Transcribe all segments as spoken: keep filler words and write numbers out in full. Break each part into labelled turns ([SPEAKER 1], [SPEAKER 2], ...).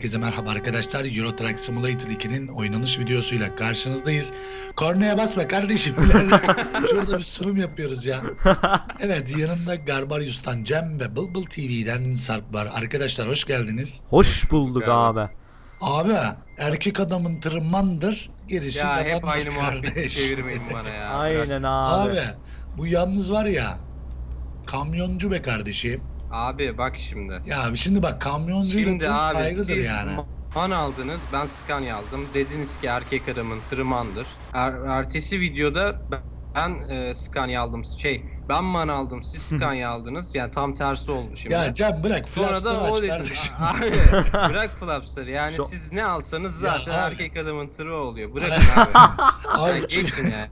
[SPEAKER 1] Herkese merhaba arkadaşlar. Euro Truck Simulator ikinin oynanış videosuyla karşınızdayız. Kornaya basma kardeşim. Şurada bir sunum yapıyoruz ya. Evet, yanımda Garbarius'tan Cem ve Bulbul T V'den Sarp var. Arkadaşlar hoş geldiniz.
[SPEAKER 2] Hoş bulduk abi.
[SPEAKER 1] Abi erkek adamın tırmandır, gerisi
[SPEAKER 3] Ya hep
[SPEAKER 1] yalandır
[SPEAKER 3] aynı muhabbeti
[SPEAKER 1] kardeş.
[SPEAKER 3] çevirmeyin bana ya.
[SPEAKER 2] Aynen abi.
[SPEAKER 1] Abi bu yalnız var ya, kamyoncu be kardeşim.
[SPEAKER 3] Abi bak şimdi.
[SPEAKER 1] Ya şimdi bak, kamyoncuyla
[SPEAKER 3] Şimdi
[SPEAKER 1] tır
[SPEAKER 3] abi
[SPEAKER 1] ayrıdır
[SPEAKER 3] siz
[SPEAKER 1] yani.
[SPEAKER 3] man aldınız, ben Scania aldım. Dediniz ki erkek adamın tırmandır. Er, ertesi videoda ben, ben e, Scania aldım. Şey, ben man aldım, siz Scania aldınız. Yani tam tersi oldu şimdi.
[SPEAKER 1] Ya Cem bırak,
[SPEAKER 3] Sonra
[SPEAKER 1] flapsları
[SPEAKER 3] da o
[SPEAKER 1] aç
[SPEAKER 3] dedi.
[SPEAKER 1] kardeşim.
[SPEAKER 3] Abi bırak flapsları. Yani
[SPEAKER 2] Şu-
[SPEAKER 3] siz ne alsanız
[SPEAKER 1] Ya
[SPEAKER 3] zaten
[SPEAKER 1] abi.
[SPEAKER 3] erkek adamın tırı oluyor. Bırakın abi.
[SPEAKER 1] Abi
[SPEAKER 3] Yani
[SPEAKER 1] çünkü,
[SPEAKER 3] geçin ya.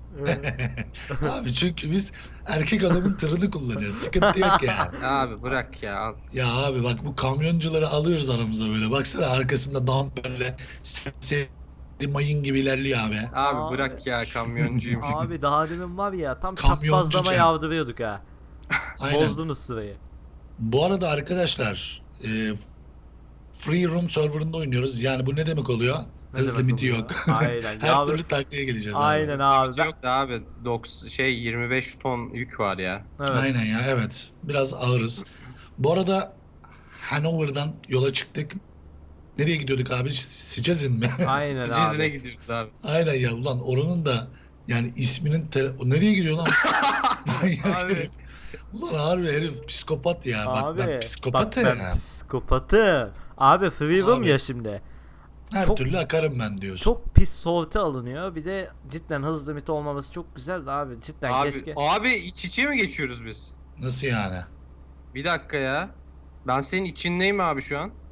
[SPEAKER 1] abi çünkü biz erkek adamın tırını kullanıyoruz. Sıkıntı yok ya.
[SPEAKER 3] Abi bırak ya. Al.
[SPEAKER 1] Ya abi bak, bu kamyoncuları alıyoruz aramıza böyle. Baksana arkasında damperle seri mayın gibi ilerliyor abi.
[SPEAKER 3] Abi,
[SPEAKER 2] Abi.
[SPEAKER 3] bırak ya, kamyoncuyum.
[SPEAKER 2] Abi daha demin var ya tam
[SPEAKER 1] Kamyoncu
[SPEAKER 2] çaprazlama
[SPEAKER 1] Cem.
[SPEAKER 2] yavdırıyorduk ha.
[SPEAKER 1] Aynen.
[SPEAKER 2] Bozdunuz sırayı.
[SPEAKER 1] Bu arada arkadaşlar, e, Free Room serverında oynuyoruz. Yani bu ne demek oluyor?
[SPEAKER 2] Ne
[SPEAKER 1] Hız
[SPEAKER 2] demek
[SPEAKER 1] limiti
[SPEAKER 2] oluyor?
[SPEAKER 1] yok.
[SPEAKER 2] Aynen.
[SPEAKER 1] Her
[SPEAKER 2] Ya
[SPEAKER 1] türlü
[SPEAKER 2] abi-
[SPEAKER 1] taktiğe geleceğiz
[SPEAKER 2] Aynen
[SPEAKER 1] abi.
[SPEAKER 2] abi.
[SPEAKER 3] Sıkıntı
[SPEAKER 2] Ben...
[SPEAKER 3] yok da abi doksan şey yirmi beş ton yük var ya.
[SPEAKER 2] Evet.
[SPEAKER 1] Aynen ya, evet. Biraz ağırız. Bu arada Hanover'dan yola çıktık. Nereye gidiyorduk abi? Sicezin mi?
[SPEAKER 2] Aynen
[SPEAKER 3] Sicizine
[SPEAKER 2] abi.
[SPEAKER 3] gidiyoruz abi.
[SPEAKER 1] Aynen ya, ulan oranın da yani isminin te- o nereye gidiyor lan? Manyak
[SPEAKER 3] Abi.
[SPEAKER 1] herif. Ulan harbi herif psikopat ya. Bak
[SPEAKER 2] Abi.
[SPEAKER 1] ben
[SPEAKER 2] Bak
[SPEAKER 1] psikopatım
[SPEAKER 2] ben
[SPEAKER 1] ya.
[SPEAKER 2] psikopatım. Abi free room
[SPEAKER 1] Abi.
[SPEAKER 2] ya şimdi.
[SPEAKER 1] Her
[SPEAKER 2] çok-
[SPEAKER 1] türlü akarım ben diyorsun.
[SPEAKER 2] Çok pis sorti alınıyor. Bir de cidden hız limiti olmaması çok güzel de abi. Cidden
[SPEAKER 3] Abi,
[SPEAKER 2] keşke.
[SPEAKER 3] abi iç içe mi geçiyoruz biz?
[SPEAKER 1] Nasıl yani?
[SPEAKER 3] Bir dakika ya. Ben senin içindeyim abi şu an.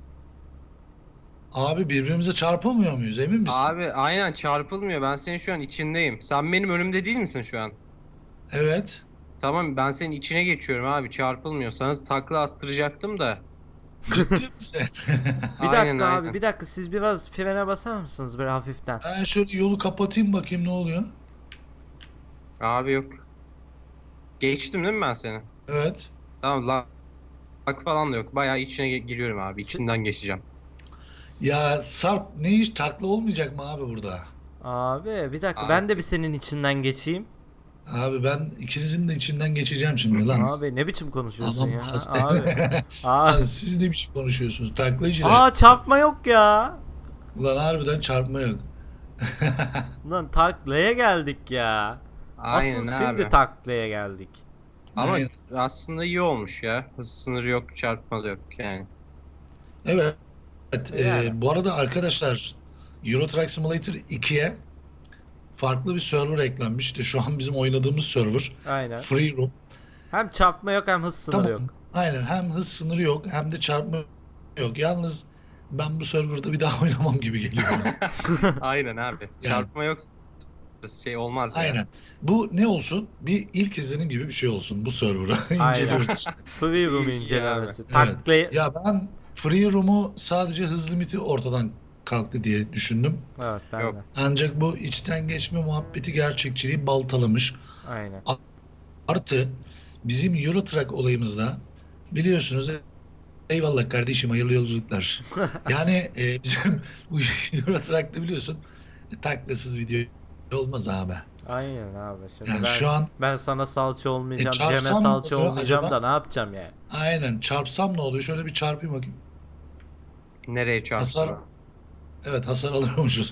[SPEAKER 1] Abi birbirimize çarpamıyor muyuz, emin misin?
[SPEAKER 3] Abi aynen çarpılmıyor. Ben senin şu an içindeyim. Sen benim önümde değil misin şu an?
[SPEAKER 1] Evet.
[SPEAKER 3] Tamam, ben senin içine geçiyorum abi. Çarpılmıyor. Sana takla attıracaktım da.
[SPEAKER 1] Ciddi misin?
[SPEAKER 2] Bir
[SPEAKER 3] Aynen,
[SPEAKER 2] dakika abi
[SPEAKER 3] aynen.
[SPEAKER 2] bir dakika siz biraz frene basar mısınız böyle hafiften?
[SPEAKER 1] Ben şöyle yolu kapatayım bakayım ne oluyor.
[SPEAKER 3] Abi yok. Geçtim değil mi ben seni?
[SPEAKER 1] Evet.
[SPEAKER 3] Tamam, la lak falan da yok. Bayağı içine ge- giriyorum abi. İçinden geçeceğim.
[SPEAKER 1] Ya Sarp, ne iş, takla olmayacak mı abi burada?
[SPEAKER 2] Abi bir dakika
[SPEAKER 3] Abi.
[SPEAKER 2] ben de bir senin içinden geçeyim.
[SPEAKER 1] Abi ben ikinizin de içinden geçeceğim şimdi lan.
[SPEAKER 2] Abi ne biçim konuşuyorsun
[SPEAKER 1] Adam
[SPEAKER 2] ya?
[SPEAKER 1] hasta.
[SPEAKER 2] Abi.
[SPEAKER 1] Lan
[SPEAKER 2] Abi.
[SPEAKER 1] siz ne biçim konuşuyorsunuz? Taklayıcılar.
[SPEAKER 2] Aa çarpma yok ya.
[SPEAKER 1] Ulan harbiden çarpma yok.
[SPEAKER 2] Lan taklaya geldik ya.
[SPEAKER 3] Aynen
[SPEAKER 2] Asıl
[SPEAKER 3] abi.
[SPEAKER 2] şimdi taklaya geldik.
[SPEAKER 3] Ama
[SPEAKER 1] Aynen.
[SPEAKER 3] aslında iyi olmuş ya. Hız sınırı yok, çarpma da yok yani.
[SPEAKER 1] Evet. Evet, e,
[SPEAKER 2] Yani.
[SPEAKER 1] bu arada arkadaşlar, Euro Truck Simulator ikiye farklı bir server eklenmiş. İşte şu an bizim oynadığımız server.
[SPEAKER 2] Aynen.
[SPEAKER 1] Free Room.
[SPEAKER 2] Hem çarpma yok hem hız sınırı
[SPEAKER 1] Tamam.
[SPEAKER 2] yok.
[SPEAKER 1] Aynen, hem hız sınırı yok hem de çarpma yok. Yalnız ben bu serverda bir daha oynamam gibi geliyor bana.
[SPEAKER 3] Aynen abi. Çarpma yok. Şey olmaz ya.
[SPEAKER 1] Aynen. Bu ne olsun? Bir ilk izlenim gibi bir şey olsun bu server'ı. İnceliyoruz işte.
[SPEAKER 2] Free room
[SPEAKER 3] İyi
[SPEAKER 2] incelemesi.
[SPEAKER 1] abi.
[SPEAKER 2] Taklaya...
[SPEAKER 1] Ya ben Free Room'u sadece hız limiti ortadan kalktı diye düşündüm.
[SPEAKER 2] Evet ben
[SPEAKER 3] Yok.
[SPEAKER 2] de.
[SPEAKER 1] Ancak bu içten geçme muhabbeti gerçekçiliği baltalamış.
[SPEAKER 2] Aynen.
[SPEAKER 1] Artı bizim Euro Truck olayımızda biliyorsunuz, eyvallah kardeşim, hayırlı yolculuklar. Yani e, bizim bu Euro Truck'ta biliyorsun e, taklasız video olmaz abi.
[SPEAKER 2] Aynen abi. Şimdi
[SPEAKER 1] Yani
[SPEAKER 2] ben,
[SPEAKER 1] şu an
[SPEAKER 2] ben sana salça olmayacağım,
[SPEAKER 1] E, çarpsam
[SPEAKER 2] Cem'e
[SPEAKER 1] ne
[SPEAKER 2] salça
[SPEAKER 1] oluyor
[SPEAKER 2] olmayacağım
[SPEAKER 1] acaba?
[SPEAKER 2] da ne yapacağım yani?
[SPEAKER 1] aynen çarpsam ne oluyor? Şöyle bir çarpayım bakayım.
[SPEAKER 3] Nereye çarpsın?
[SPEAKER 1] Hasar, evet, hasar alıyormuşuz.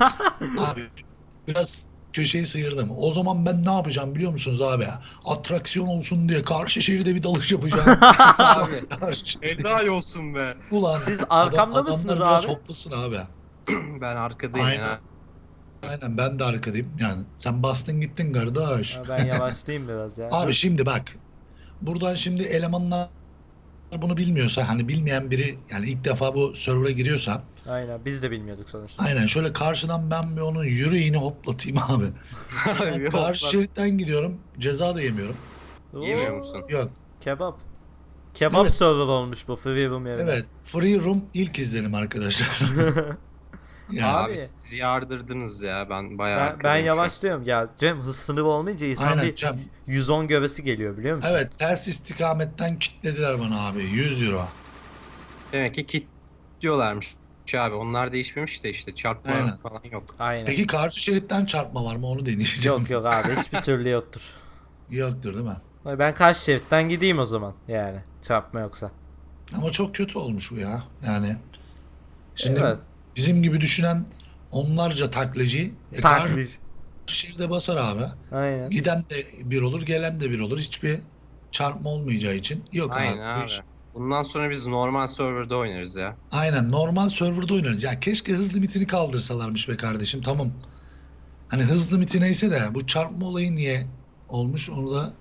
[SPEAKER 1] Abi biraz köşeyi sıyırdım. O zaman ben ne yapacağım biliyor musunuz abi? Atraksiyon olsun diye karşı şehirde bir dalış yapacağım.
[SPEAKER 3] Abi.
[SPEAKER 1] Karşı şehirde-
[SPEAKER 3] Helal olsun be.
[SPEAKER 1] Ulan
[SPEAKER 2] Siz
[SPEAKER 1] adam-
[SPEAKER 2] arkamda mısınız
[SPEAKER 1] adamlar biraz
[SPEAKER 2] abi?
[SPEAKER 1] hoplasın abi.
[SPEAKER 3] Ben arkadayım
[SPEAKER 1] Aynen.
[SPEAKER 3] ya.
[SPEAKER 1] Aynen, ben de arkadayım. Yani sen bastın gittin kardeş.
[SPEAKER 2] Ha, ben yavaşlayayım biraz ya.
[SPEAKER 1] Abi şimdi bak. Buradan şimdi elemanlar bunu bilmiyorsa, hani bilmeyen biri, yani ilk defa bu server'a giriyorsa,
[SPEAKER 2] Aynen biz de bilmiyorduk sonuçta.
[SPEAKER 1] aynen şöyle karşıdan ben bir onun yüreğini hoplatayım abi.
[SPEAKER 3] Abi, yok
[SPEAKER 1] Karşı
[SPEAKER 3] lan.
[SPEAKER 1] şeritten gidiyorum. Ceza da yemiyorum.
[SPEAKER 3] Yemiyor
[SPEAKER 2] Oo,
[SPEAKER 3] musun?
[SPEAKER 1] Yok.
[SPEAKER 2] Kebap. Kebap
[SPEAKER 1] Evet.
[SPEAKER 2] server olmuş bu free room yerine.
[SPEAKER 1] Evet. Free Room ilk izlenim arkadaşlar. Yani,
[SPEAKER 3] Abi,
[SPEAKER 2] Abi.
[SPEAKER 3] siz yardırdınız ya. Ben bayağı
[SPEAKER 2] Ben, ben
[SPEAKER 3] arkadayım şu an.
[SPEAKER 2] yavaşlıyorum ya. Cem hız sınırı olmayınca insan
[SPEAKER 1] Aynen,
[SPEAKER 2] bir
[SPEAKER 1] Cem.
[SPEAKER 2] yüz on gövesi geliyor biliyor musun?
[SPEAKER 1] evet, ters istikametten kilitlediler bana abi. yüz euro.
[SPEAKER 3] Demek ki kit diyorlarmış abi. Onlar değişmemiş de işte çarpma
[SPEAKER 1] Aynen.
[SPEAKER 3] falan yok.
[SPEAKER 2] Aynen.
[SPEAKER 1] Peki karşı şeritten çarpma var mı onu deneyeceğim.
[SPEAKER 2] Yok yok abi hiçbir türlü yoktur.
[SPEAKER 1] Yoktur değil mi?
[SPEAKER 2] Ben karşı şeritten gideyim o zaman yani çarpma yoksa.
[SPEAKER 1] Ama çok kötü olmuş bu ya. Yani şimdi
[SPEAKER 2] Evet.
[SPEAKER 1] bizim gibi düşünen onlarca taklacı e,
[SPEAKER 2] Taklit.
[SPEAKER 1] karşı şeride basar abi.
[SPEAKER 2] Aynen.
[SPEAKER 1] Giden de bir olur, gelen de bir olur. Hiçbir çarpma olmayacağı için yok
[SPEAKER 3] Aynen
[SPEAKER 1] abi. bu
[SPEAKER 3] abi.
[SPEAKER 1] iş-
[SPEAKER 3] Bundan sonra biz normal serverda oynarız ya.
[SPEAKER 1] Aynen normal serverda oynarız. Ya keşke hız limitini kaldırsalarmış be kardeşim. Tamam. Hani hız limiti neyse de bu çarpma olayı niye olmuş onu da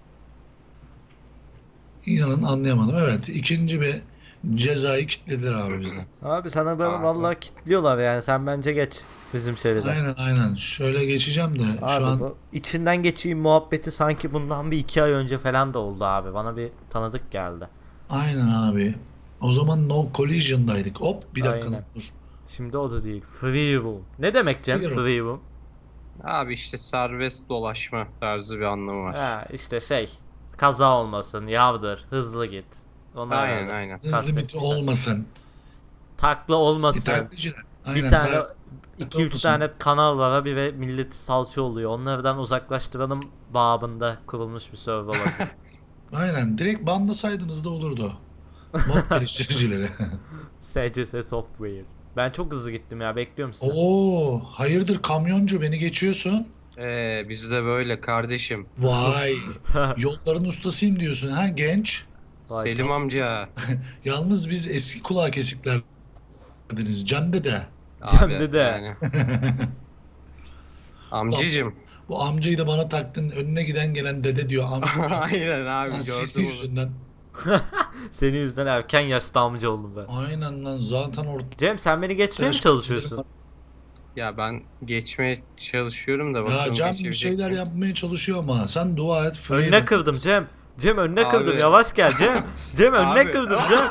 [SPEAKER 1] inanın anlayamadım. Evet, ikinci bir cezayı kilitlediler abi bize.
[SPEAKER 2] Abi sana böyle
[SPEAKER 3] Abi.
[SPEAKER 2] vallahi kilitliyorlar yani sen bence geç bizim şeride.
[SPEAKER 1] Aynen aynen. Şöyle geçeceğim de
[SPEAKER 2] Abi
[SPEAKER 1] şu an
[SPEAKER 2] bu içinden geçeyim muhabbeti sanki bundan bir iki ay önce falan da oldu abi. Bana bir tanıdık geldi.
[SPEAKER 1] aynen abi. O zaman no collision'daydık. Hop bir dakika
[SPEAKER 2] Aynen.
[SPEAKER 1] dur.
[SPEAKER 2] Şimdi o da değil. Free roam. Ne demek Cem
[SPEAKER 1] Free roam.
[SPEAKER 2] free roam?
[SPEAKER 3] Abi işte serbest dolaşma tarzı bir anlamı var.
[SPEAKER 2] Ha işte şey kaza olmasın, yavdır, hızlı git. Onlar
[SPEAKER 3] Aynen
[SPEAKER 2] herhalde
[SPEAKER 3] aynen.
[SPEAKER 1] Hız limiti
[SPEAKER 2] kastetmişler.
[SPEAKER 1] olmasın.
[SPEAKER 2] Takla
[SPEAKER 1] Bir
[SPEAKER 2] olmasın.
[SPEAKER 1] taklitçiler.
[SPEAKER 2] Bir
[SPEAKER 1] Aynen.
[SPEAKER 2] tane
[SPEAKER 1] ta-
[SPEAKER 2] iki üç
[SPEAKER 1] olmasın.
[SPEAKER 2] tane kanal var abi ve milleti salça oluyor. Onlardan uzaklaştıralım babında kurulmuş bir server olabilir.
[SPEAKER 1] Aynen. Direkt banlasaydınız da olurdu. Mod geliştiricileri.
[SPEAKER 2] S C S Software. Ben çok hızlı gittim ya bekliyorum sizi.
[SPEAKER 1] Oo, hayırdır kamyoncu beni geçiyorsun.
[SPEAKER 3] Ee, biz de böyle kardeşim.
[SPEAKER 1] Vay. Yolların ustasıyım diyorsun ha genç.
[SPEAKER 2] Vay,
[SPEAKER 3] Selim
[SPEAKER 1] tamam.
[SPEAKER 3] amca.
[SPEAKER 1] Yalnız biz eski kulağı kesiklerdeniz. Can dede.
[SPEAKER 2] Cem
[SPEAKER 3] Abi,
[SPEAKER 2] dede.
[SPEAKER 3] yani. Amcacım.
[SPEAKER 1] Bu amcayı da bana taktın. Önüne giden gelen dede diyor. Amca.
[SPEAKER 3] Aynen abi
[SPEAKER 1] Lan senin
[SPEAKER 3] gördüm onu.
[SPEAKER 1] yüzünden.
[SPEAKER 2] Senin yüzünden erken yaşta amca oldum ben.
[SPEAKER 1] Aynen lan zaten orada.
[SPEAKER 2] Cem sen beni geçmeye mi çalışıyorsun?
[SPEAKER 3] Ya ben geçmeye çalışıyorum da
[SPEAKER 1] Ya
[SPEAKER 3] bakalım
[SPEAKER 1] Can bir
[SPEAKER 3] geçebilecek
[SPEAKER 1] şeyler
[SPEAKER 3] miyim?
[SPEAKER 1] yapmaya çalışıyor ama sen dua et. free
[SPEAKER 2] Önüne
[SPEAKER 1] run.
[SPEAKER 2] kırdım Cem. Cem önüne
[SPEAKER 3] Abi.
[SPEAKER 2] kırdım. Yavaş gel Cem. Cem önüne
[SPEAKER 3] Abi.
[SPEAKER 2] kırdım Cem.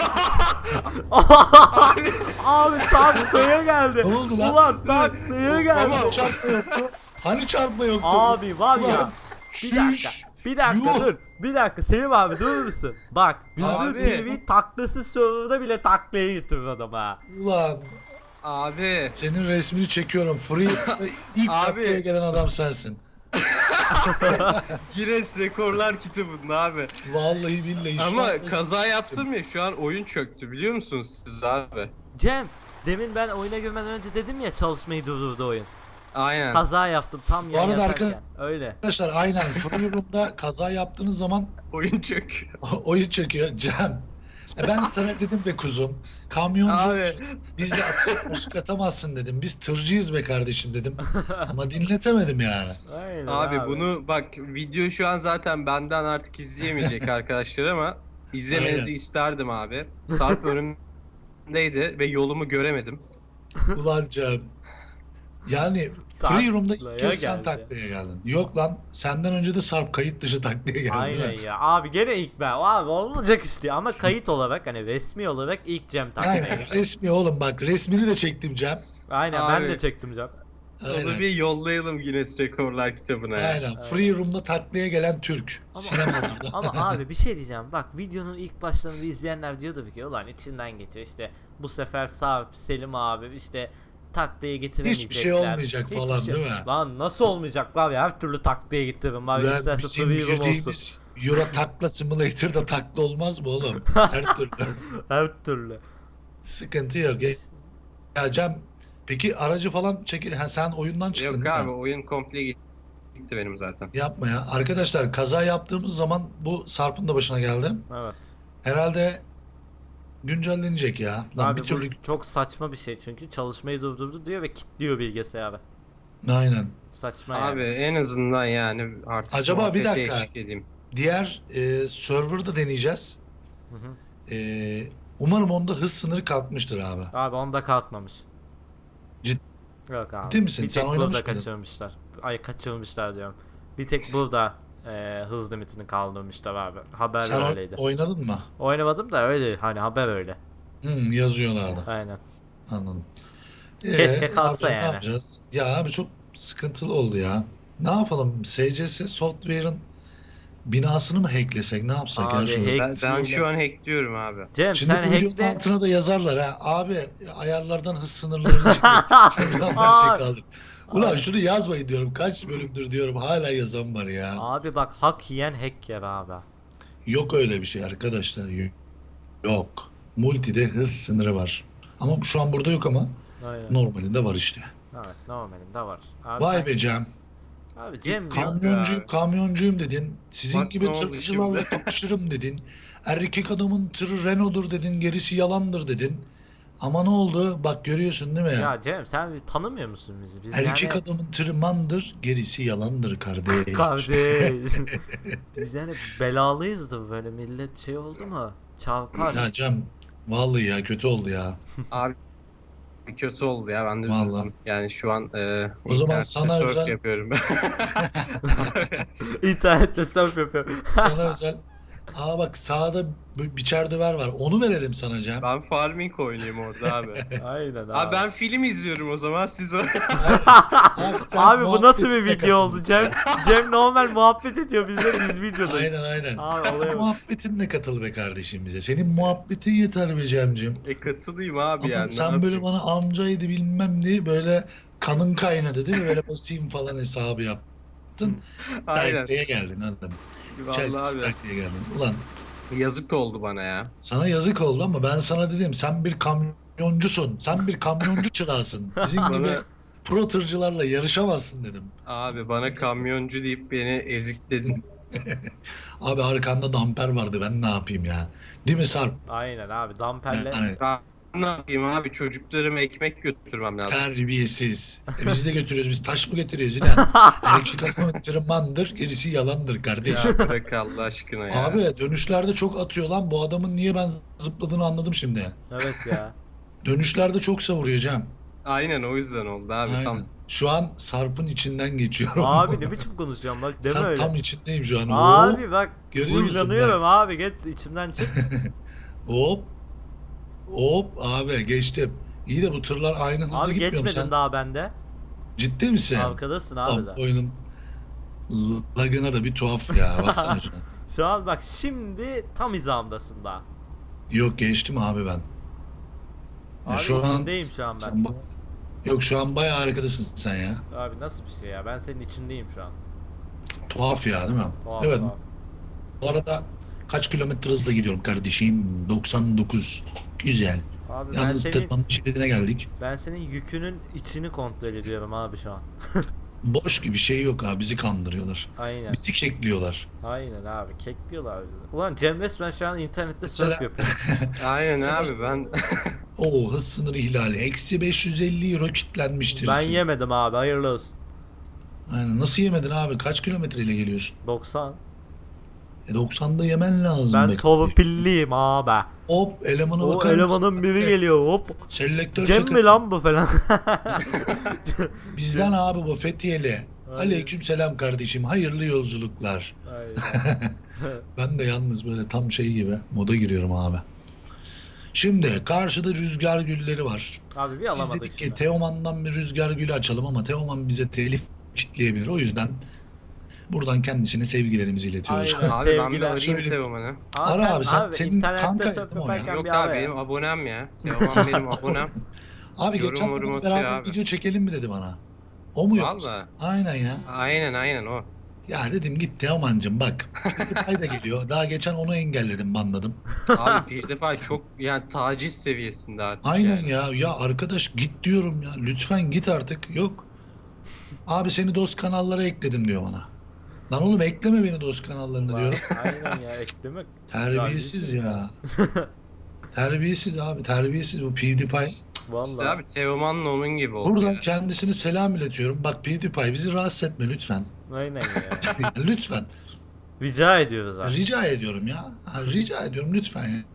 [SPEAKER 2] Abi taklaya geldi.
[SPEAKER 1] Ne oldu lan?
[SPEAKER 2] Ulan taklaya geldi.
[SPEAKER 1] Ama çarpma yoktu. Hani çarpma yoktu?
[SPEAKER 2] Abi var ya.
[SPEAKER 1] Ulan,
[SPEAKER 2] Bir dakika.
[SPEAKER 1] şiş.
[SPEAKER 2] Bir dakika
[SPEAKER 1] Yuh.
[SPEAKER 2] dur. Bir dakika Selim abi durur musun? Bak
[SPEAKER 3] Abi.
[SPEAKER 2] Bülbül T V taklası serverda bile taklaya getirir adam ha.
[SPEAKER 1] Ulan
[SPEAKER 3] Abi.
[SPEAKER 1] senin resmini çekiyorum. Free ilk
[SPEAKER 3] Abi.
[SPEAKER 1] taklaya gelen adam sensin.
[SPEAKER 3] Guinness Rekorlar kitabında abi.
[SPEAKER 1] Vallahi billahi. şu an
[SPEAKER 3] Ama
[SPEAKER 1] resmini
[SPEAKER 3] kaza
[SPEAKER 1] çektim.
[SPEAKER 3] yaptım ya şu an oyun çöktü biliyor musunuz siz abi?
[SPEAKER 2] Cem demin ben oyuna girmeden önce dedim ya çalışmayı durdurdu oyun.
[SPEAKER 3] Aynen.
[SPEAKER 2] Kaza yaptım tam
[SPEAKER 1] Bu
[SPEAKER 2] yan
[SPEAKER 1] arada
[SPEAKER 2] yatarken. Öyle.
[SPEAKER 1] Arkadaşlar aynen Free Room'da kaza yaptığınız zaman
[SPEAKER 3] Oyun çöküyor.
[SPEAKER 1] oyun çekiyor. Cem. E ben sana dedim be kuzum. Kamyoncu
[SPEAKER 3] Abi.
[SPEAKER 1] biz de atışık atamazsın dedim. Biz tırcıyız be kardeşim dedim. Ama dinletemedim yani.
[SPEAKER 2] Aynen
[SPEAKER 3] Abi bunu bak video şu an zaten benden artık izleyemeyecek arkadaşlar ama izlemenizi
[SPEAKER 1] Aynen.
[SPEAKER 3] isterdim abi. Sarp önümdeydi ve yolumu göremedim.
[SPEAKER 1] Ulan Cem. Yani Free Room'da ilk
[SPEAKER 2] Taklaya
[SPEAKER 1] kez sen
[SPEAKER 2] geldi.
[SPEAKER 1] taklaya geldin. Yok lan senden önce de Sarp kayıt dışı taklaya geldi.
[SPEAKER 2] Aynen
[SPEAKER 1] değil mi?
[SPEAKER 2] ya. Abi gene ilk ben. Abi olmayacak işte ama kayıt olarak hani resmi olarak ilk Cem taklaya
[SPEAKER 1] Aynen
[SPEAKER 2] geldi.
[SPEAKER 1] resmi oğlum bak resmini de çektim Cem.
[SPEAKER 2] Aynen ben
[SPEAKER 3] Abi.
[SPEAKER 2] de çektim Cem.
[SPEAKER 3] Onu
[SPEAKER 1] Aynen.
[SPEAKER 3] bir yollayalım Guinness Rekorlar kitabına ya.
[SPEAKER 1] Aynen. Free Room'da taklaya gelen Türk.
[SPEAKER 2] Ama-
[SPEAKER 1] Sinemada.
[SPEAKER 2] Ama abi bir şey diyeceğim. Bak videonun ilk başlarında izleyenler diyordu ki ulan içinden geçiyor işte bu sefer Sarp, Selim abi işte taklaya getiremeyecekler.
[SPEAKER 1] Hiçbir şey olmayacak
[SPEAKER 2] Hiçbir
[SPEAKER 1] falan,
[SPEAKER 2] şey-
[SPEAKER 1] değil mi?
[SPEAKER 2] Lan nasıl olmayacak var ya her türlü taklaya getiririm var ya
[SPEAKER 1] Ulan
[SPEAKER 2] isterse
[SPEAKER 1] bizim
[SPEAKER 2] free room olsun.
[SPEAKER 1] girdiğimiz Euro Takla Simulator'da takla olmaz mı oğlum? Her türlü.
[SPEAKER 2] Her türlü.
[SPEAKER 1] Sıkıntı yok. Ya, ya Cem peki aracı falan çekil. Ha, sen oyundan çıktın
[SPEAKER 3] Yok
[SPEAKER 1] değil
[SPEAKER 3] abi
[SPEAKER 1] mi?
[SPEAKER 3] oyun komple gitti benim zaten.
[SPEAKER 1] Yapma ya. Arkadaşlar kaza yaptığımız zaman bu Sarp'ın da başına geldi.
[SPEAKER 2] Evet.
[SPEAKER 1] Herhalde güncellenecek ya. Lan
[SPEAKER 2] Abi
[SPEAKER 1] bir türlü
[SPEAKER 2] bu çok saçma bir şey çünkü çalışmayı durdurdu diyor ve kilitliyor bilgisayarı.
[SPEAKER 1] aynen.
[SPEAKER 2] Saçma
[SPEAKER 3] Abi
[SPEAKER 2] yani.
[SPEAKER 3] en azından yani artık
[SPEAKER 1] Acaba bir
[SPEAKER 3] muhabbete
[SPEAKER 1] dakika.
[SPEAKER 3] eşlik edeyim.
[SPEAKER 1] Diğer e, server'da deneyeceğiz.
[SPEAKER 2] Hı hı.
[SPEAKER 1] E, umarım onda hız sınırı kalkmıştır abi.
[SPEAKER 2] Abi onda kalkmamış.
[SPEAKER 1] Cid-
[SPEAKER 2] Yok abi.
[SPEAKER 1] Ciddi misin?
[SPEAKER 2] Bir
[SPEAKER 1] Sen
[SPEAKER 2] tek
[SPEAKER 1] oynamış
[SPEAKER 2] burada
[SPEAKER 1] mıydın?
[SPEAKER 2] kaçırmışlar. Ay kaçırmışlar diyorum. Bir tek burada e, hız limitini kaldırmışlar abi. Haber
[SPEAKER 1] Sen o-
[SPEAKER 2] öyleydi.
[SPEAKER 1] oynadın mı?
[SPEAKER 2] Oynamadım da öyle hani haber öyle.
[SPEAKER 1] Hmm, yazıyorlardı.
[SPEAKER 2] Aynen.
[SPEAKER 1] Anladım.
[SPEAKER 2] Keşke
[SPEAKER 1] Ee,
[SPEAKER 2] kalsa
[SPEAKER 1] abi,
[SPEAKER 2] yani.
[SPEAKER 1] Ne yapacağız? Ya abi çok sıkıntılı oldu ya. Ne yapalım? S C S Software'ın binasını mı hacklesek ne yapsak ya
[SPEAKER 2] Abi,
[SPEAKER 1] şunu?
[SPEAKER 2] hack-
[SPEAKER 3] Ben, ben şu an hackliyorum abi.
[SPEAKER 2] Cem
[SPEAKER 1] Şimdi
[SPEAKER 2] sen
[SPEAKER 1] bu videonun
[SPEAKER 2] hackle.
[SPEAKER 1] altına da yazarlar ha. Abi ayarlardan hız sınırlarını çıkıyor. Saklanlar şey kaldır. Ulan
[SPEAKER 2] Abi.
[SPEAKER 1] şunu yazmayın diyorum. Kaç bölümdür diyorum. Hala yazan var ya.
[SPEAKER 2] Abi bak hak yiyen hack yer abi.
[SPEAKER 1] Yok öyle bir şey arkadaşlar. Yok. Multi'de hız sınırı var. Ama şu an burada yok ama
[SPEAKER 2] Aynen.
[SPEAKER 1] normalinde var işte.
[SPEAKER 2] Evet normalinde var. Abi
[SPEAKER 1] Vay
[SPEAKER 2] sen-
[SPEAKER 1] be Cem.
[SPEAKER 2] Abi Cem
[SPEAKER 1] Kamyoncuyum,
[SPEAKER 3] abi.
[SPEAKER 1] kamyoncuyum dedin. Sizin
[SPEAKER 3] Bak
[SPEAKER 1] gibi
[SPEAKER 3] ne oldu
[SPEAKER 1] tırcılarla
[SPEAKER 3] şimdi?
[SPEAKER 1] kapışırım dedin. Erkek adamın tırı Renault'dur dedin. Gerisi yalandır dedin. Ama ne oldu? Bak görüyorsun değil mi ya?
[SPEAKER 2] ya Cem sen bir tanımıyor musun bizi? Biz
[SPEAKER 1] Erkek
[SPEAKER 2] yani
[SPEAKER 1] adamın tırı mandır, gerisi yalandır kardeş.
[SPEAKER 2] kardeş. Biz yani belalıyız da böyle millet şey oldu mu? Çarpar.
[SPEAKER 1] Ya Cem, vallahi ya kötü oldu ya.
[SPEAKER 3] Abi kötü oldu ya, ben de
[SPEAKER 1] Vallahi.
[SPEAKER 3] üzüldüm. Yani şu an e,
[SPEAKER 1] O zaman
[SPEAKER 3] internette
[SPEAKER 1] sana
[SPEAKER 3] surf
[SPEAKER 1] özel-
[SPEAKER 3] yapıyorum.
[SPEAKER 2] İnternette surf yapıyor.
[SPEAKER 1] Sana özel. Aa bak sağda bir biçer döver var. Onu verelim sana Cem.
[SPEAKER 3] Ben farming oynayayım orada abi.
[SPEAKER 2] Aynen abi.
[SPEAKER 3] Abi ben film izliyorum o zaman, siz o...
[SPEAKER 1] Abi, sen
[SPEAKER 2] Abi bu nasıl bir
[SPEAKER 1] muhabbetine
[SPEAKER 2] video oldu
[SPEAKER 1] katıl.
[SPEAKER 2] Cem? Cem normal muhabbet ediyor bizle, biz videodayız.
[SPEAKER 1] Aynen aynen.
[SPEAKER 2] Abi olaya bak.
[SPEAKER 1] Muhabbetinle katıl be kardeşim bize. Senin muhabbetin yeter be Cem'cim.
[SPEAKER 3] E katılayım abi
[SPEAKER 1] Ama
[SPEAKER 3] yani. ne
[SPEAKER 1] sen böyle
[SPEAKER 3] yapayım?
[SPEAKER 1] bana amcaydı bilmem diye böyle kanın kaynadı değil mi? Böyle basayım falan hesabı yaptın.
[SPEAKER 3] Aynen.
[SPEAKER 1] Taklaya geldin anladım.
[SPEAKER 3] Vallahi abi.
[SPEAKER 1] Taklaya geldin. Ulan
[SPEAKER 3] Yazık oldu bana ya.
[SPEAKER 1] sana yazık oldu ama ben sana dedim sen bir kamyoncusun. Sen bir kamyoncu çırağısın. Bizim gibi
[SPEAKER 3] Bana
[SPEAKER 1] pro tırcılarla yarışamazsın dedim.
[SPEAKER 3] abi bana kamyoncu deyip beni ezikledin.
[SPEAKER 1] Abi arkanda damper vardı ben ne yapayım ya. Değil mi Sarp?
[SPEAKER 2] Aynen abi damperle.
[SPEAKER 1] Yani
[SPEAKER 3] Ben ne yapayım abi, çocuklarıma ekmek götürmem lazım.
[SPEAKER 1] terbiyesiz. E biz de götürüyoruz. Biz taş mı getiriyoruz yine? Erkek adamın tırmandır, gerisi yalandır kardeşim.
[SPEAKER 3] Ya bırak Allah aşkına ya.
[SPEAKER 1] Abi dönüşlerde çok atıyor lan. Bu adamın niye ben zıpladığını anladım şimdi.
[SPEAKER 2] Evet ya.
[SPEAKER 1] Dönüşlerde çok savuruyor Cem.
[SPEAKER 3] Aynen o yüzden oldu abi.
[SPEAKER 1] Aynen.
[SPEAKER 3] Tam
[SPEAKER 1] Şu an Sarp'ın içinden geçiyorum.
[SPEAKER 2] Abi ne biçim konuşuyorsun bak deme
[SPEAKER 1] Sarp
[SPEAKER 2] öyle.
[SPEAKER 1] tam içindeyim şu an.
[SPEAKER 2] Abi bak
[SPEAKER 1] görüyor musun
[SPEAKER 2] huylanıyorum abi geç içimden çık.
[SPEAKER 1] Hop. Hop abi geçtim. İyi de bu tırlar aynı hızda
[SPEAKER 2] Abi
[SPEAKER 1] gitmiyor mu
[SPEAKER 2] geçmedin
[SPEAKER 1] sen?
[SPEAKER 2] daha bende.
[SPEAKER 1] Ciddi misin?
[SPEAKER 2] Arkadasın abi
[SPEAKER 1] Tam
[SPEAKER 2] de.
[SPEAKER 1] oyunun lagına da bir tuhaf ya. Baksana şuna.
[SPEAKER 2] Şu an bak şimdi tam hizamdasın daha.
[SPEAKER 1] Yok geçtim abi ben. Ya
[SPEAKER 2] Abi içindeyim şu an ben.
[SPEAKER 1] sen bak- Yok şu an bayağı arkadasın sen ya.
[SPEAKER 2] Abi nasıl bir şey ya ben senin içindeyim şu an.
[SPEAKER 1] Tuhaf ya değil mi?
[SPEAKER 2] Tuhaf
[SPEAKER 1] Evet.
[SPEAKER 2] tuhaf.
[SPEAKER 1] Bu arada kaç kilometre hızla gidiyorum kardeşim? doksan dokuz. Güzel.
[SPEAKER 2] Abi ben
[SPEAKER 1] Yalnız
[SPEAKER 2] senin,
[SPEAKER 1] tırmanma şeridine geldik.
[SPEAKER 2] ben senin yükünün içini kontrol ediyorum abi şu an.
[SPEAKER 1] Boş gibi şey yok abi. Bizi kandırıyorlar.
[SPEAKER 2] Aynen.
[SPEAKER 1] Bizi kekliyorlar.
[SPEAKER 2] Aynen abi kekliyorlar bizi. Ulan Cem resmen şu an internette
[SPEAKER 1] Mesela-
[SPEAKER 2] surf yapıyor.
[SPEAKER 3] aynen
[SPEAKER 1] Sen-
[SPEAKER 3] abi ben
[SPEAKER 1] Oo hız sınırı ihlali. Eksi beş yüz elli euro kitlenmiştir.
[SPEAKER 2] Ben
[SPEAKER 1] siz.
[SPEAKER 2] yemedim abi hayırlı olsun.
[SPEAKER 1] Aynen. Nasıl yemedin abi? Kaç kilometreyle geliyorsun?
[SPEAKER 2] doksan.
[SPEAKER 1] E doksanda yemen lazım.
[SPEAKER 2] Ben
[SPEAKER 1] be
[SPEAKER 2] torpilliyim abi.
[SPEAKER 1] Hop elemana
[SPEAKER 2] O
[SPEAKER 1] bakar mısın?
[SPEAKER 2] elemanın biri geliyor hop.
[SPEAKER 1] Selektör
[SPEAKER 2] Cem
[SPEAKER 1] çakır.
[SPEAKER 2] mi lan bu falan.
[SPEAKER 1] Bizden abi bu Fethiyeli.
[SPEAKER 2] Aynen.
[SPEAKER 1] Aleyküm selam kardeşim. Hayırlı yolculuklar.
[SPEAKER 2] Aynen.
[SPEAKER 1] Ben de yalnız böyle tam şey gibi moda giriyorum abi. Şimdi karşıda rüzgar gülleri var.
[SPEAKER 2] Abi bir
[SPEAKER 1] Biz
[SPEAKER 2] alamadık
[SPEAKER 1] dedik ki
[SPEAKER 2] şimdi.
[SPEAKER 1] Teoman'dan bir rüzgar gülü açalım ama Teoman bize telif kitleyebilir. O yüzden buradan kendisine sevgilerimizi iletiyoruz.
[SPEAKER 2] Aynen.
[SPEAKER 3] abi ben bir
[SPEAKER 2] Sevgiler.
[SPEAKER 3] arayayım
[SPEAKER 1] Söyle-
[SPEAKER 3] Teoman'ı.
[SPEAKER 1] Ara abi, sen- senin
[SPEAKER 2] internette
[SPEAKER 1] kanka
[SPEAKER 2] surf
[SPEAKER 1] değil mi o ya?
[SPEAKER 2] yaparken
[SPEAKER 3] Yok
[SPEAKER 2] bir
[SPEAKER 3] abi
[SPEAKER 2] ara ya.
[SPEAKER 3] benim abonem ya. Teoman benim abonem.
[SPEAKER 1] Abi
[SPEAKER 3] Yorum
[SPEAKER 1] geçen
[SPEAKER 3] yorum
[SPEAKER 1] hafta
[SPEAKER 3] atıyor
[SPEAKER 1] beraber
[SPEAKER 3] abi.
[SPEAKER 1] video çekelim mi dedi bana. O mu yok?
[SPEAKER 3] Valla.
[SPEAKER 1] Aynen ya.
[SPEAKER 3] Aynen aynen o.
[SPEAKER 1] Ya dedim git Teoman'cım bak. PewDiePie da geliyor. Daha geçen onu engelledim banladım.
[SPEAKER 3] Abi PewDiePie çok yani taciz seviyesinde artık
[SPEAKER 1] Aynen
[SPEAKER 3] yani.
[SPEAKER 1] ya. Ya arkadaş git diyorum ya. Lütfen git artık. Yok. Abi seni dost kanallara ekledim diyor bana. Lan oğlum ekleme beni dost kanallarına diyorum.
[SPEAKER 2] Aynen ya eklemek.
[SPEAKER 1] Terbiyesiz ya. Terbiyesiz abi. Terbiyesiz bu PewDiePie.
[SPEAKER 3] İşte
[SPEAKER 2] Vallahi.
[SPEAKER 3] abi Teoman'la onun gibi oldu.
[SPEAKER 1] Buradan
[SPEAKER 3] ya.
[SPEAKER 1] kendisine selam iletiyorum. Bak PewDiePie bizi rahatsız etme lütfen.
[SPEAKER 2] Aynen ya.
[SPEAKER 1] Lütfen.
[SPEAKER 2] Rica ediyoruz abi.
[SPEAKER 1] Rica ediyorum ya. Ha, rica ediyorum lütfen ya.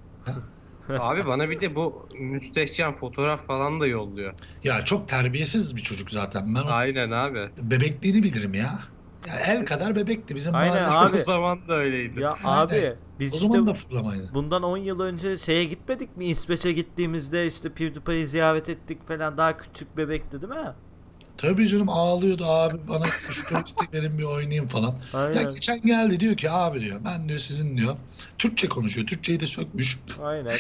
[SPEAKER 3] Abi bana bir de bu müstehcen fotoğraf falan da yolluyor.
[SPEAKER 1] Ya çok terbiyesiz bir çocuk zaten. Ben o
[SPEAKER 3] Aynen abi.
[SPEAKER 1] bebekliğini bilirim ya. Ya el kadar bebekti bizim
[SPEAKER 2] Aynen
[SPEAKER 1] mahalle.
[SPEAKER 2] abi.
[SPEAKER 3] O zaman da öyleydi.
[SPEAKER 2] Ya
[SPEAKER 1] Aynen.
[SPEAKER 2] abi biz
[SPEAKER 1] O
[SPEAKER 2] işte
[SPEAKER 1] zaman da fırlamaydı.
[SPEAKER 2] bundan on yıl önce şeye gitmedik mi? İsveç'e gittiğimizde işte PewDiePie'yi ziyaret ettik falan daha küçük bebekti değil mi?
[SPEAKER 1] Tabii canım ağlıyordu abi bana şu joystick verin bir oynayayım falan. Ya
[SPEAKER 2] Aynen.
[SPEAKER 1] geçen geldi diyor ki abi diyor ben diyor sizin diyor Türkçe konuşuyor. Türkçeyi de sökmüş.
[SPEAKER 2] Aynen.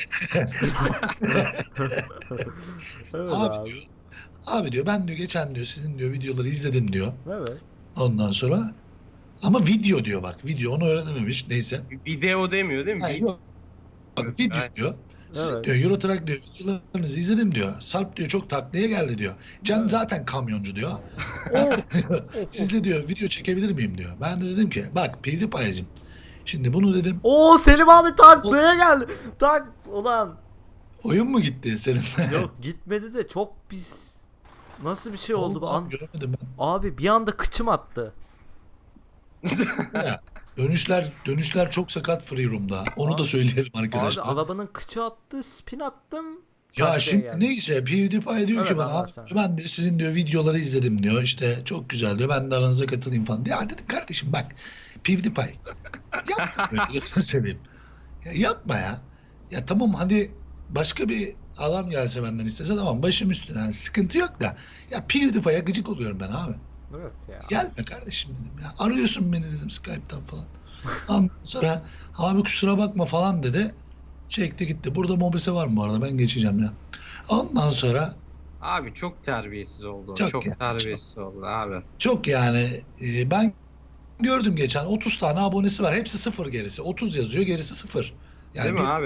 [SPEAKER 2] Evet
[SPEAKER 1] Abi
[SPEAKER 2] abi.
[SPEAKER 1] diyor. Abi diyor ben diyor geçen diyor sizin diyor videoları izledim diyor.
[SPEAKER 2] Evet.
[SPEAKER 1] Ondan sonra ama video diyor bak video onu öğrenememiş neyse.
[SPEAKER 3] Video demiyor değil mi?
[SPEAKER 1] Ha,
[SPEAKER 3] Video.
[SPEAKER 1] yok. Bak video
[SPEAKER 3] Aynen.
[SPEAKER 1] diyor. Sizin
[SPEAKER 2] Evet.
[SPEAKER 1] diyor Euro Truck diyor videolarınızı izledim diyor. Sarp diyor çok taklaya geldi diyor. Can
[SPEAKER 2] Evet.
[SPEAKER 1] zaten kamyoncu diyor. Ben de diyor, sizle diyor video çekebilir miyim diyor. Ben de dedim ki bak PewDiePie'cim şimdi bunu dedim
[SPEAKER 2] Oo Selim abi taklaya geldi. Tak ulan.
[SPEAKER 1] oyun mu gitti senin?
[SPEAKER 2] Yok gitmedi de çok pis. Nasıl bir şey oldu bu
[SPEAKER 1] Oğlum
[SPEAKER 2] an?
[SPEAKER 1] abi, görmedim
[SPEAKER 2] Abi bir anda kıçım attı.
[SPEAKER 1] ben. Ya, dönüşler dönüşler çok sakat Free Room'da. Onu da
[SPEAKER 2] Abi-
[SPEAKER 1] söyleyelim
[SPEAKER 2] Abi
[SPEAKER 1] arkadaşlar.
[SPEAKER 2] arabanın kıçı attı, spin attım.
[SPEAKER 1] Ya
[SPEAKER 2] taklaya
[SPEAKER 1] şimdi
[SPEAKER 2] geldi.
[SPEAKER 1] neyse PewDiePie diyor
[SPEAKER 2] Evet,
[SPEAKER 1] ki bana
[SPEAKER 2] anlarsana.
[SPEAKER 1] ben diyor sizin diyor videoları izledim diyor işte çok güzel diyor ben de aranıza katılayım falan. Ya dedim kardeşim bak PewDiePie yapma böyle gözünü seveyim. Ya yapma ya. Ya tamam hadi başka bir adam gelse benden istese tamam başım üstüne yani sıkıntı yok da ya PewDiePie'ye gıcık oluyorum ben abi.
[SPEAKER 2] Evet ya.
[SPEAKER 1] Gelme kardeşim dedim ya arıyorsun beni dedim Skype'tan falan. Ondan sonra abi kusura bakma falan dedi. Çekti gitti. Burada mobese var mı bu arada ben geçeceğim ya. Ondan sonra
[SPEAKER 3] Abi çok terbiyesiz oldu.
[SPEAKER 1] Çok
[SPEAKER 3] Çok,
[SPEAKER 1] ya,
[SPEAKER 3] terbiyesiz oldu abi.
[SPEAKER 1] çok yani e, ben gördüm geçen otuz tane abonesi var. Hepsi sıfır gerisi. otuz yazıyor gerisi sıfır. Yani
[SPEAKER 3] Değil mi
[SPEAKER 1] bir-
[SPEAKER 3] abi?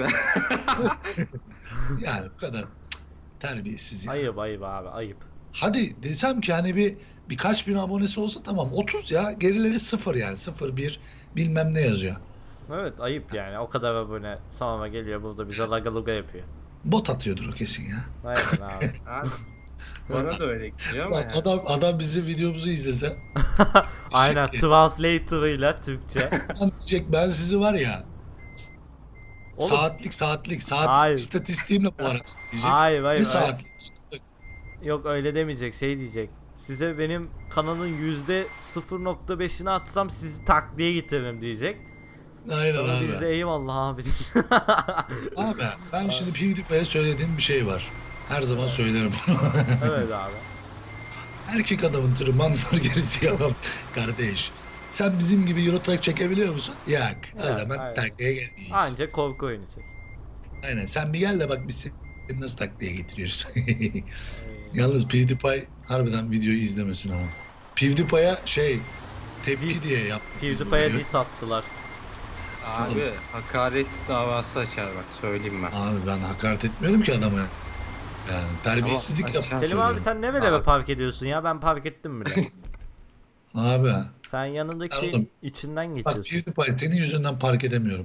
[SPEAKER 1] yani bu kadar cık, terbiyesiz ya.
[SPEAKER 2] Ayıp ayıp abi ayıp.
[SPEAKER 1] Hadi desem ki hani bir birkaç bin abonesi olsa tamam otuz ya gerileri sıfır yani sıfır bir bilmem ne yazıyor.
[SPEAKER 2] Evet ayıp yani o kadar abone Samama geliyor burada bize laga luga yapıyor.
[SPEAKER 1] Bot atıyordur o kesin ya.
[SPEAKER 2] Aynen abi.
[SPEAKER 3] Abi, bana da öyle geliyor ama
[SPEAKER 1] Ulan
[SPEAKER 3] yani.
[SPEAKER 1] Adam adam bizim videomuzu izlese
[SPEAKER 2] Aynen translator'ıyla Türkçe.
[SPEAKER 1] lan diyecek ben sizi var ya
[SPEAKER 2] Oğlum,
[SPEAKER 1] saatlik saatlik saat
[SPEAKER 2] Hayır.
[SPEAKER 1] istatistiğimle bu arada diyecek.
[SPEAKER 2] Hayır
[SPEAKER 1] Ne
[SPEAKER 2] hayır. hayır.
[SPEAKER 1] saatlik?
[SPEAKER 2] Yok öyle demeyecek şey diyecek. Size benim kanalın yüzde sıfır nokta beşini atsam sizi takliye getiririm diyecek.
[SPEAKER 1] Aynen
[SPEAKER 2] Sonra biz
[SPEAKER 1] abi.
[SPEAKER 2] de eyvallah abi.
[SPEAKER 1] Abi ben şimdi PewDiePie'ye söylediğim bir şey var. Her zaman söylerim bunu.
[SPEAKER 2] Evet abi.
[SPEAKER 1] Erkek adamın tırmanlar gerisi yalan kardeş. Sen bizim gibi Euro Truck çekebiliyor musun? Yok. O
[SPEAKER 2] Evet,
[SPEAKER 1] zaman
[SPEAKER 2] aynen.
[SPEAKER 1] taklaya gelmeyiz.
[SPEAKER 2] Anca korku oyunu çek.
[SPEAKER 1] Aynen. Sen bir gel de bak biz seni nasıl taklaya getiriyoruz.
[SPEAKER 2] Ay.
[SPEAKER 1] Yalnız PewDiePie harbiden videoyu izlemesin abi. PewDiePie'ya şey tepki
[SPEAKER 2] Diss.
[SPEAKER 1] diye yap.
[SPEAKER 2] PewDiePie'ye diss attılar.
[SPEAKER 3] Abi hakaret davası açar bak söyleyeyim ben.
[SPEAKER 1] Abi ben hakaret etmiyorum ki adama. Yani terbiyesizlik
[SPEAKER 3] Ama-
[SPEAKER 1] yaptım.
[SPEAKER 2] Selim abi sen ne böyle
[SPEAKER 3] Abi.
[SPEAKER 2] park ediyorsun ya ben park ettim bile.
[SPEAKER 1] Abi
[SPEAKER 2] Sen yanındaki şeyin
[SPEAKER 1] Oğlum,
[SPEAKER 2] içinden
[SPEAKER 1] bak
[SPEAKER 2] geçiyorsun.
[SPEAKER 1] PewDiePie senin yüzünden park edemiyorum.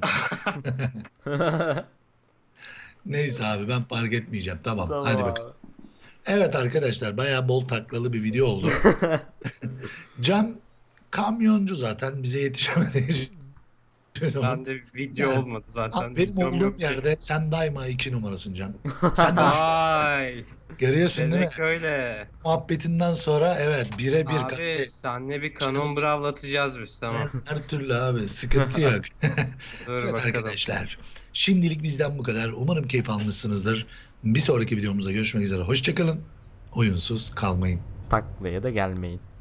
[SPEAKER 1] Neyse abi ben park etmeyeceğim. Tamam,
[SPEAKER 2] Tamam
[SPEAKER 1] hadi
[SPEAKER 2] abi.
[SPEAKER 1] bakalım. Evet arkadaşlar bayağı bol taklalı bir video oldu. Can kamyoncu zaten bize yetişemedi. Hiçbir zaman.
[SPEAKER 3] Ben de video
[SPEAKER 1] Yani,
[SPEAKER 3] olmadı zaten.
[SPEAKER 1] Abi, benim
[SPEAKER 3] Videom
[SPEAKER 1] olduğum
[SPEAKER 3] yok ki.
[SPEAKER 1] yerde sen daima iki numarasın Can. Sen de üç-
[SPEAKER 3] Vay.
[SPEAKER 1] görüyorsun değil mi?
[SPEAKER 3] Demek öyle.
[SPEAKER 1] Muhabbetinden sonra evet bire bir
[SPEAKER 3] Abi
[SPEAKER 1] kardeş.
[SPEAKER 3] senle bir kanon bravlatacağız biz tamam.
[SPEAKER 1] Her türlü abi sıkıntı yok.
[SPEAKER 3] Dur
[SPEAKER 1] Evet
[SPEAKER 3] bakalım.
[SPEAKER 1] arkadaşlar. Şimdilik bizden bu kadar. Umarım keyif almışsınızdır. Bir sonraki videomuzda görüşmek üzere. Hoşçakalın. Oyunsuz kalmayın.
[SPEAKER 2] Taklaya da gelmeyin.